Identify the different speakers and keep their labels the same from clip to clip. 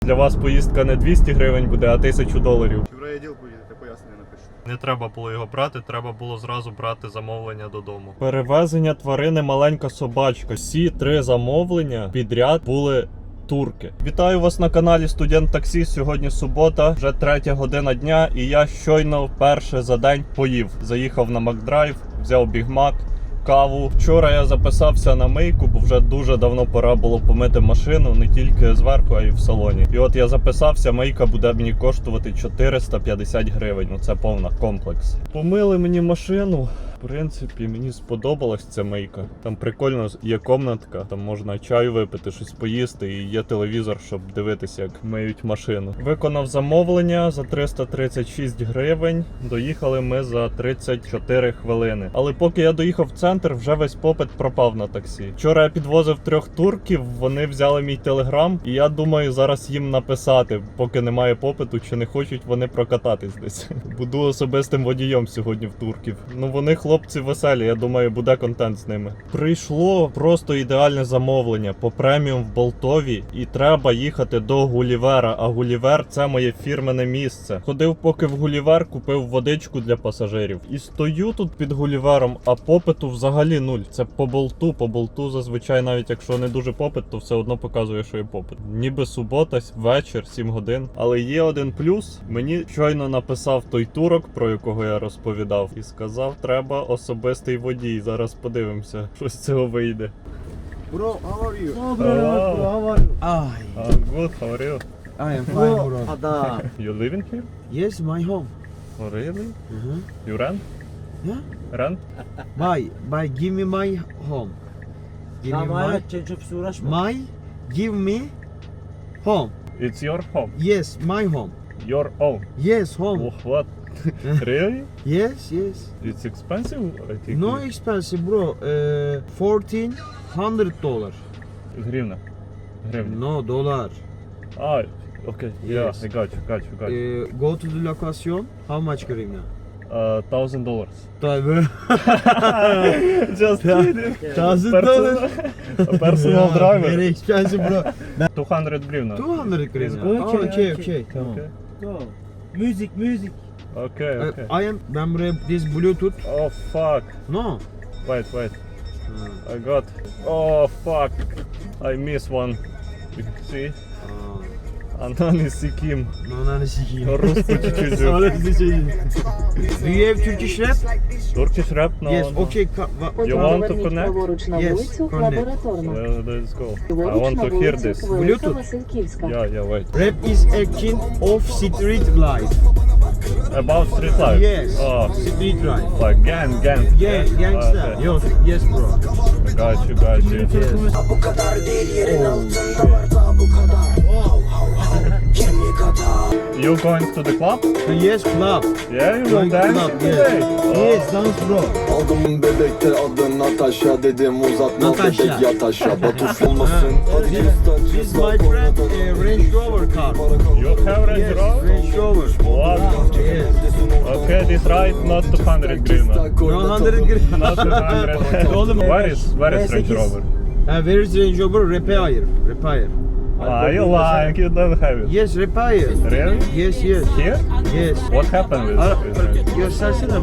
Speaker 1: Для вас поїздка не 200 гривень буде, а $1000.
Speaker 2: В райвідділ поїдете, пояснення напишу.
Speaker 1: Не треба було його брати, треба було зразу брати замовлення додому. Перевезення тварини маленька собачка. Всі 3 замовлення підряд були турки. Вітаю вас на каналі Студент Таксі. Сьогодні субота, вже 3 година дня, і я щойно вперше за день поїв. Заїхав на Макдрайв, взяв бігмак, каву. Вчора я записався на мийку, бо вже дуже давно пора було помити машину, не тільки зверху, а й в салоні. І от я записався, мийка буде мені коштувати 450 гривень. Ну це повна комплекс. Помили мені машину. В принципі, мені сподобалась ця мийка. Там прикольно є комнатка, там можна чаю випити, щось поїсти, і є телевізор, щоб дивитися, як миють машину. Виконав замовлення за 336 гривень. Доїхали ми за 34 хвилини. Але поки я доїхав в центр, вже весь попит пропав на таксі. Вчора я підвозив 3 турків, вони взяли мій телеграм, і я думаю зараз їм написати, поки немає попиту, чи не хочуть вони прокататись десь. Буду особистим водієм сьогодні в турків. Ну вони хлопці веселі, я думаю, буде контент з ними. Прийшло просто ідеальне замовлення по преміум в Болтові, і треба їхати до Гулівера, а Гулівер — це моє фірмене місце. Ходив поки в Гулівер, купив водичку для пасажирів. І стою тут під Гулівером, а попиту взагалі нуль. Це по болту зазвичай, навіть якщо не дуже попит, то все одно показує, що є попит. Ніби субота, вечір, 7 годин. Але є один плюс. Мені щойно написав той турок, про якого я розповідав, і сказав, треба особистий водій. Зараз подивимося, що з цього вийде.
Speaker 2: Bro, how are you?
Speaker 3: Oh, bro, how are you?
Speaker 1: Good, how are you?
Speaker 3: I am fine, bro.
Speaker 2: Ada.
Speaker 1: You living here?
Speaker 3: Yes, my home.
Speaker 1: Oh, really? You rent?
Speaker 3: Yeah?
Speaker 1: Rent?
Speaker 3: Buy, give me my home. Give me my, give me home.
Speaker 1: It's your home?
Speaker 3: Yes, my home.
Speaker 1: Your own?
Speaker 3: Yes, home.
Speaker 1: Oh, what? Really?
Speaker 3: Yes, yes.
Speaker 1: It's expensive, I think.
Speaker 3: No expensive, bro. $1,400.
Speaker 1: Гривна. Гривна.
Speaker 3: No, dollar.
Speaker 1: Ah, okay.
Speaker 3: Yes.
Speaker 1: Yeah, I got you.
Speaker 3: Go to the location. How much grivna?
Speaker 1: $1,000.
Speaker 3: Tabii.
Speaker 1: Just kidding.
Speaker 3: $1,000.
Speaker 1: Personal driver.
Speaker 3: Very expensive, bro.
Speaker 1: 200 гривна.
Speaker 3: 200 grivna.
Speaker 1: Okay,
Speaker 3: Okay. Tamam.
Speaker 1: Okay.
Speaker 4: Go. Music.
Speaker 1: Okay.
Speaker 3: Ben buraya this Bluetooth.
Speaker 1: Oh, fuck.
Speaker 3: No.
Speaker 1: Wait. I got. Oh, fuck. I miss one. You see? Anani sikim.
Speaker 3: Ananı sikeyim.
Speaker 1: Rusça çocuğu.
Speaker 3: Ananı sikeyim. Do you have Turkish rap?
Speaker 1: Turkish rap? No.
Speaker 3: Yes,
Speaker 1: no.
Speaker 3: okay.
Speaker 1: You want to connect?
Speaker 5: Праворуч на
Speaker 3: Yes,
Speaker 5: вулицю
Speaker 3: connect.
Speaker 5: Лабораторна.
Speaker 1: Well, let's go. I
Speaker 5: Ліворуч
Speaker 1: want
Speaker 5: на
Speaker 1: to hear
Speaker 5: вулицю
Speaker 1: this.
Speaker 5: Велика
Speaker 3: Bluetooth?
Speaker 5: Васильківська.
Speaker 1: Yeah, wait.
Speaker 3: Rap is action of street life.
Speaker 1: About street life?
Speaker 3: Yes.
Speaker 1: Oh,
Speaker 3: Street life.
Speaker 1: like gang.
Speaker 3: Yeah, gangster.
Speaker 1: Okay.
Speaker 3: Yes, bro.
Speaker 1: I got you.
Speaker 3: Yes.
Speaker 1: You going to the club?
Speaker 3: Yes, club.
Speaker 1: Yeah, you
Speaker 3: Going
Speaker 1: want dance
Speaker 3: club,
Speaker 1: today?
Speaker 3: yes. Yes, dance bro.
Speaker 6: Aldım bebekte adı Natasha, dedim uzatma
Speaker 3: Natasha.
Speaker 6: bebek yat aşağı. Batuş olmasın hadi
Speaker 3: This
Speaker 6: cüstan
Speaker 3: is my friend Range Rover car.
Speaker 1: You have Range
Speaker 3: Yes,
Speaker 1: Rover?
Speaker 3: Range Rover.
Speaker 1: What?
Speaker 3: Yes.
Speaker 1: Okay, this ride not 200 grivna.
Speaker 3: No 100 grivna.
Speaker 1: Not 200.
Speaker 3: Oğlum,
Speaker 1: Where is Range Rover?
Speaker 3: Where is Range Rover? Repair.
Speaker 1: You lying, you don't have it.
Speaker 3: Yes, repair.
Speaker 1: Really?
Speaker 3: Yes.
Speaker 1: Here?
Speaker 3: Yes.
Speaker 1: What happened with Range?
Speaker 3: Göstersene.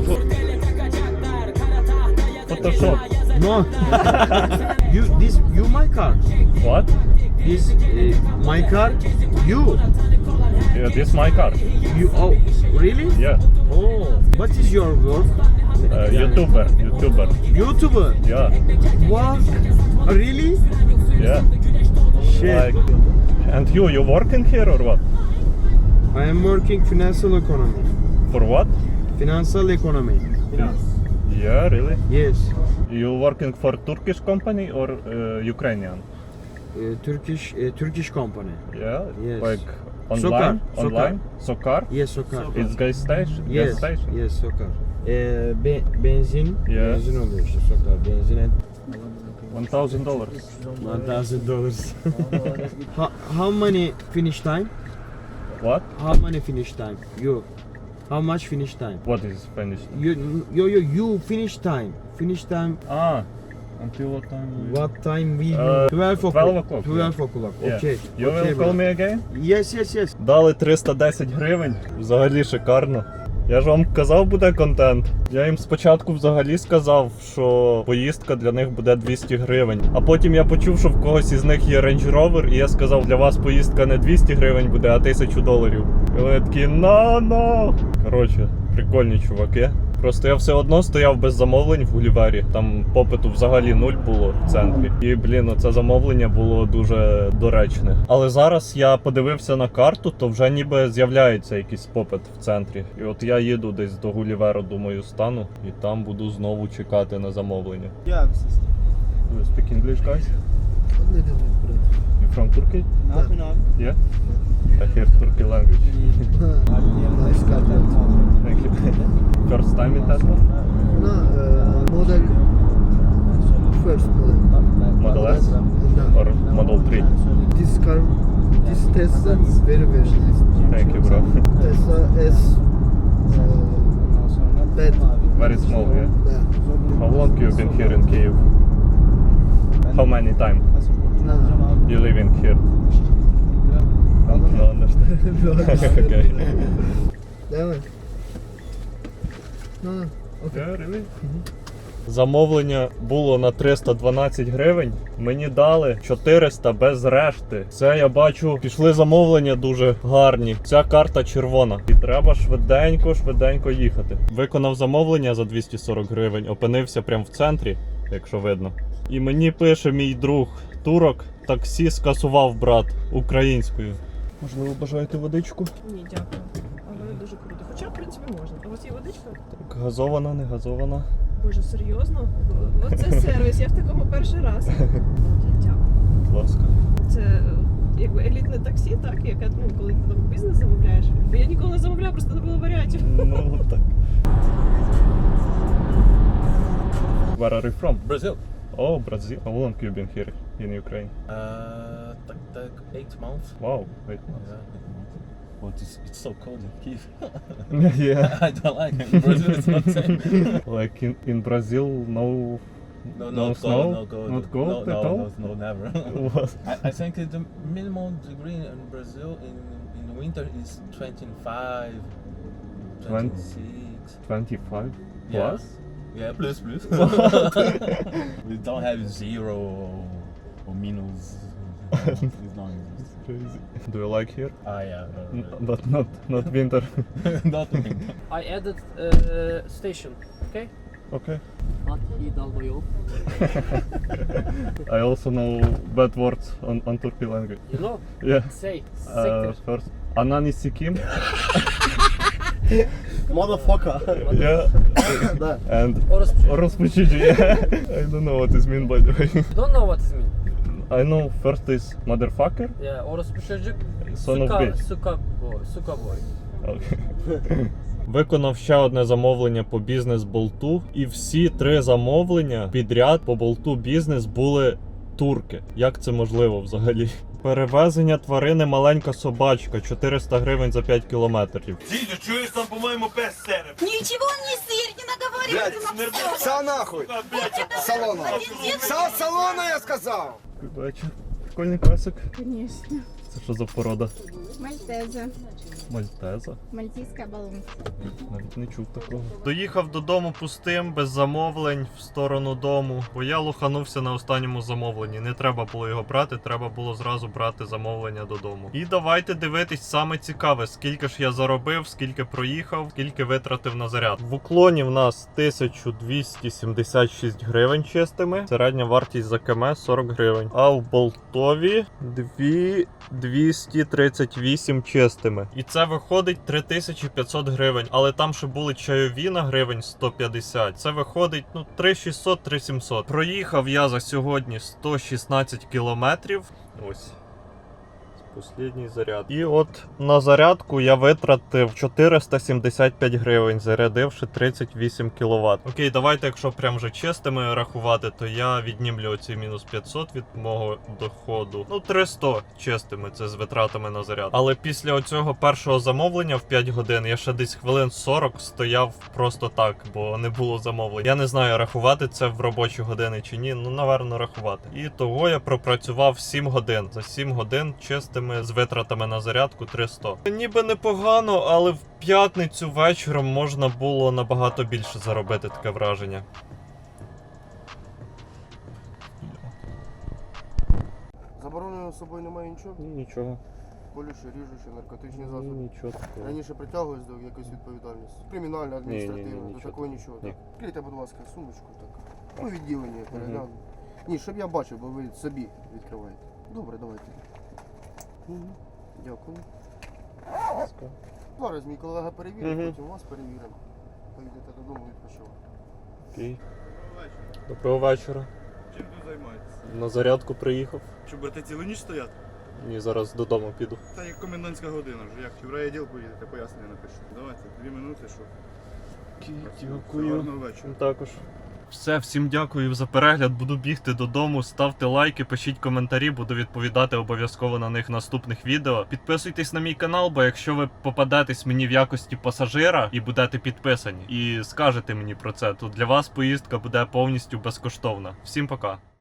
Speaker 1: Photoshop.
Speaker 3: No. You my car.
Speaker 1: What?
Speaker 3: This my car. You.
Speaker 1: Yeah, this my car.
Speaker 3: Oh, really?
Speaker 1: Yeah.
Speaker 3: Oh, what is your work?
Speaker 1: YouTuber.
Speaker 3: YouTuber.
Speaker 1: Yeah.
Speaker 3: What? Really?
Speaker 1: Yeah.
Speaker 3: Shit.
Speaker 1: Like, and you working here or what?
Speaker 3: I am working financial economy.
Speaker 1: For what?
Speaker 3: Financial economy.
Speaker 1: Yeah, really?
Speaker 3: Yes.
Speaker 1: You working for Turkish company or Ukrainian?
Speaker 3: Turkish company.
Speaker 1: Yeah.
Speaker 3: Yes.
Speaker 1: Like online?
Speaker 3: Sokar.
Speaker 1: Online? Sokar?
Speaker 3: Yes, Sokar.
Speaker 1: It's gas station?
Speaker 3: Yes.
Speaker 1: Gas station?
Speaker 3: Yes, Sokar. Benzin.
Speaker 1: Yeah.
Speaker 3: Benzin oluyor işte Sokar. Benzin and
Speaker 1: $1,000.
Speaker 3: $1,000. How many finish time?
Speaker 1: What?
Speaker 3: How many finish time? You. How much finish time?
Speaker 1: What is finished?
Speaker 3: You finish time. Finish time.
Speaker 1: Until what time?
Speaker 3: What time we? 12 o'clock.
Speaker 1: 12 o'clock,
Speaker 3: 12 o'clock.
Speaker 1: Yeah.
Speaker 3: Okay.
Speaker 1: You
Speaker 3: Okay,
Speaker 1: will
Speaker 3: bro.
Speaker 1: call me again?
Speaker 3: Yes, yes, yes.
Speaker 1: Дали 310 гривень. Взагалі шикарно. Я ж вам казав, буде контент. Я їм спочатку взагалі сказав, що поїздка для них буде 200 гривень. А потім я почув, що в когось із них є Range Rover, і я сказав, для вас поїздка не 200 гривень буде, а $1000. І вони такі, no. Коротше, прикольні чуваки. Просто я все одно стояв без замовлень в Гулівері. Там попиту взагалі нуль було в центрі. І, блін, це замовлення було дуже доречне. Але зараз я подивився на карту, то вже ніби з'являється якийсь попит в центрі. І от я їду десь до Гуліверу, думаю, стану, і там буду знову чекати на замовлення.
Speaker 2: Yeah, sister.
Speaker 1: You speak English, guys? You from Turkey? Yeah? I hear Turkey language. Thank you. First time in Tesla?
Speaker 5: No, model first model.
Speaker 1: Model S? Or Model 3?
Speaker 5: This car, this Tesla is very nice.
Speaker 1: Thank you, bro.
Speaker 5: Tesla S bed.
Speaker 1: Very small, yeah?
Speaker 5: Yeah.
Speaker 1: How long you been here in Kyiv? How many time
Speaker 5: No.
Speaker 1: you live in here? No, understand. Okay.
Speaker 5: Давай. No, okay.
Speaker 1: Yeah, really? Замовлення було на 312 гривень. Мені дали 400 без решти. Це я бачу, пішли замовлення дуже гарні. Ця карта червона. І треба швиденько їхати. Виконав замовлення за 240 гривень, опинився прямо в центрі, якщо видно. І мені пише мій друг турок, таксі скасував брат українською. Можливо, бажаєте водичку?
Speaker 7: Ні, дякую. Але дуже круто. Хоча, в принципі, можна. У вас є водичка?
Speaker 1: Так, газована, не газована.
Speaker 7: Боже, серйозно? Оце сервіс, я в такому перший раз. Дякую.
Speaker 1: Будь ласка.
Speaker 7: Це якби елітне таксі, так? Яке, коли ти там бізнес замовляєш. Бо я ніколи не замовляю, просто не було варіантів.
Speaker 1: Ну, так. Where are you from?
Speaker 8: Brazil.
Speaker 1: Oh, Brazil. How long you been here in Ukraine?
Speaker 8: Like 8 months.
Speaker 1: Wow, 8 months.
Speaker 8: Yeah, 8 months. Well, it's so cold in Kyiv.
Speaker 1: Yeah.
Speaker 8: I don't like it. In Brazil, it's not the same.
Speaker 1: Like in Brazil, no snow?
Speaker 8: No cold.
Speaker 1: Not cold at all?
Speaker 8: No, never.
Speaker 1: What?
Speaker 8: I think the minimum degree in Brazil in winter is 25, 26.
Speaker 1: 25
Speaker 8: Yeah.
Speaker 1: plus?
Speaker 8: Yeah, plus. We don't have zero or minus. It's not exist.
Speaker 1: Crazy. Do you like here?
Speaker 8: Yeah.
Speaker 1: But not winter.
Speaker 8: Not winter.
Speaker 9: I added station, okay?
Speaker 1: Okay.
Speaker 9: But he долбоёб.
Speaker 1: I also know bad words on Turkey language.
Speaker 9: You know?
Speaker 1: Yeah.
Speaker 9: Say, sector.
Speaker 1: First, Anani Sikim.
Speaker 2: Motherfucker.
Speaker 1: Yeah. And
Speaker 9: Orospu.
Speaker 1: Orospuchiji. Yeah. I don't know what this mean, by the way.
Speaker 9: You don't know what it means?
Speaker 1: I know first is motherfucker.
Speaker 9: Yeah, orospu çocuk.
Speaker 1: Son of bitch.
Speaker 9: Suka boy.
Speaker 1: Okay. Виконав ще одне замовлення по бізнес-болту, і всі 3 замовлення підряд по болту бізнес були турки. Як це можливо взагалі? Перевезення тварини маленька собачка, 400 гривень за 5 кілометрів.
Speaker 10: Дідю, чуєш, там, по-моєму, без серед.
Speaker 11: Ничего не сыр, не наговаривайте на все.
Speaker 2: Са нахуй. Салона. Са салона, я сказав.
Speaker 1: Бачу. Прикольний песик.
Speaker 11: Конечно.
Speaker 1: Це що за порода?
Speaker 11: Мальтеза.
Speaker 1: Мальтеза?
Speaker 11: Мальтийская баллонка.
Speaker 1: Навіть не чув такого. Доїхав додому пустим, без замовлень, в сторону дому. Бо я лоханувся на останньому замовленні. Не треба було його брати, треба було зразу брати замовлення додому. І давайте дивитись саме цікаве, скільки ж я заробив, скільки проїхав, скільки витратив на заряд. В уклоні в нас 1276 гривень чистими. Середня вартість за км 40 гривень. А в болтові 238 чистими. І це виходить 3500 гривень. Але там ще були чайові на гривень 150. Це виходить 3600-3700. Проїхав я за сьогодні 116 кілометрів. Ось. Послідній заряд. І от на зарядку я витратив 475 гривень, зарядивши 38 кВт. Окей, давайте, якщо прям вже чистими рахувати, то я віднімлю оці мінус 500 від мого доходу. Ну, 300 чистими, це з витратами на заряд. Але після оцього першого замовлення в 5 годин я ще десь хвилин 40 стояв просто так, бо не було замовлень. Я не знаю, рахувати це в робочі години чи ні, ну, наверно, рахувати. І того я пропрацював 7 годин. За 7 годин чистими з витратами на зарядку 300. Ніби непогано, але в п'ятницю вечором можна було набагато більше заробити, таке враження.
Speaker 5: Заборонено з собою немає нічого?
Speaker 1: Нічого.
Speaker 5: Колючі, ріжучі, наркотичні засоби.
Speaker 1: Нічого такого.
Speaker 5: Раніше притягувались до якоїсь відповідальності. Кримінальна, адміністративна,
Speaker 1: Ні,
Speaker 5: до
Speaker 1: нічого.
Speaker 5: такого нічого.
Speaker 1: Ні.
Speaker 5: Так. Відкрийте, будь ласка, сумочку так. Ну, відділення перегляну. Ні, щоб я бачив, бо ви собі відкриваєте. Добре, давайте. Дякую. Зараз мій колега перевірить, потім вас перевіримо. Поїдете додому відпочивати.
Speaker 1: Окей. Доброго вечора.
Speaker 10: Чим тут займаєтесь?
Speaker 1: На зарядку приїхав.
Speaker 10: Що, будете цілу ніч стояти?
Speaker 1: Ні, зараз додому піду.
Speaker 10: Та як комендантська година вже. Як в райвідділ поїдете, пояснення напишу. Давайте, 2 минути, що. Гарного вечора.
Speaker 1: Також. Все, всім дякую за перегляд. Буду бігти додому. Ставте лайки, пишіть коментарі, буду відповідати обов'язково на них в наступних відео. Підписуйтесь на мій канал, бо якщо ви попадетесь мені в якості пасажира і будете підписані, і скажете мені про це, то для вас поїздка буде повністю безкоштовна. Всім пока.